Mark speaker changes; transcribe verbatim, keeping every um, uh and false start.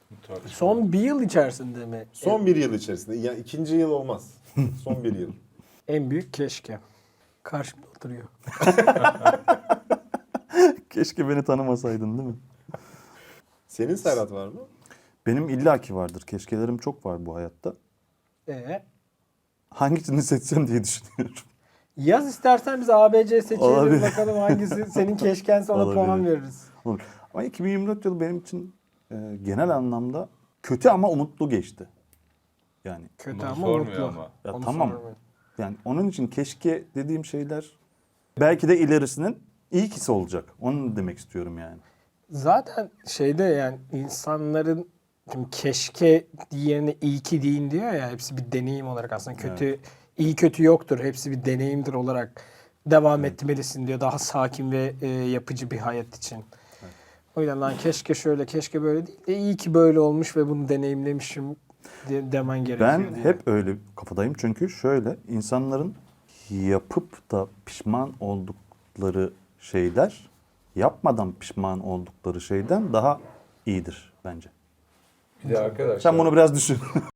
Speaker 1: Son bir yıl içerisinde mi?
Speaker 2: Son bir yıl içerisinde. Yani ikinci yıl olmaz. Son bir yıl.
Speaker 1: En büyük keşke. Karşımda oturuyor.
Speaker 3: Keşke beni tanımasaydın değil mi?
Speaker 2: Senin Serhat var mı?
Speaker 3: Benim illaki vardır. Keşkelerim çok var bu hayatta.
Speaker 1: Ee,
Speaker 3: Hangisini seçsem diye düşünüyorum.
Speaker 1: yaz istersen biz A B C seçelim
Speaker 3: Olabilir.
Speaker 1: bakalım hangisi senin keşkense ona puan
Speaker 3: Olabilir.
Speaker 1: veririz.
Speaker 3: Olur. Ama iki bin yirmi dört yılı benim için e, genel anlamda kötü ama umutlu geçti. Yani
Speaker 1: Kötü
Speaker 4: Bunu
Speaker 1: ama
Speaker 4: sormuyor
Speaker 1: mutlu.
Speaker 4: ama.
Speaker 3: ya
Speaker 1: Onu
Speaker 3: tamam.
Speaker 1: sormuyor.
Speaker 3: Yani onun için keşke dediğim şeyler belki de ilerisinin iyi kisi olacak. Onu demek istiyorum yani.
Speaker 1: Zaten şeyde yani insanların şimdi keşke yerine iyi ki deyin diyor ya, hepsi bir deneyim olarak aslında kötü iyi kötü yoktur, hepsi bir deneyimdir olarak devam etmelisin diyor daha sakin ve e, yapıcı bir hayat için. O yüzden lan keşke şöyle keşke böyle değil de iyi ki böyle olmuş ve bunu deneyimlemişim de, demen gerekiyor
Speaker 3: Ben
Speaker 1: diye.
Speaker 3: hep öyle kafadayım çünkü şöyle insanların yapıp da pişman oldukları şeyler yapmadan pişman oldukları şeyden daha iyidir bence.
Speaker 4: Bir de arkadaşlar.
Speaker 3: Sen bunu biraz düşün.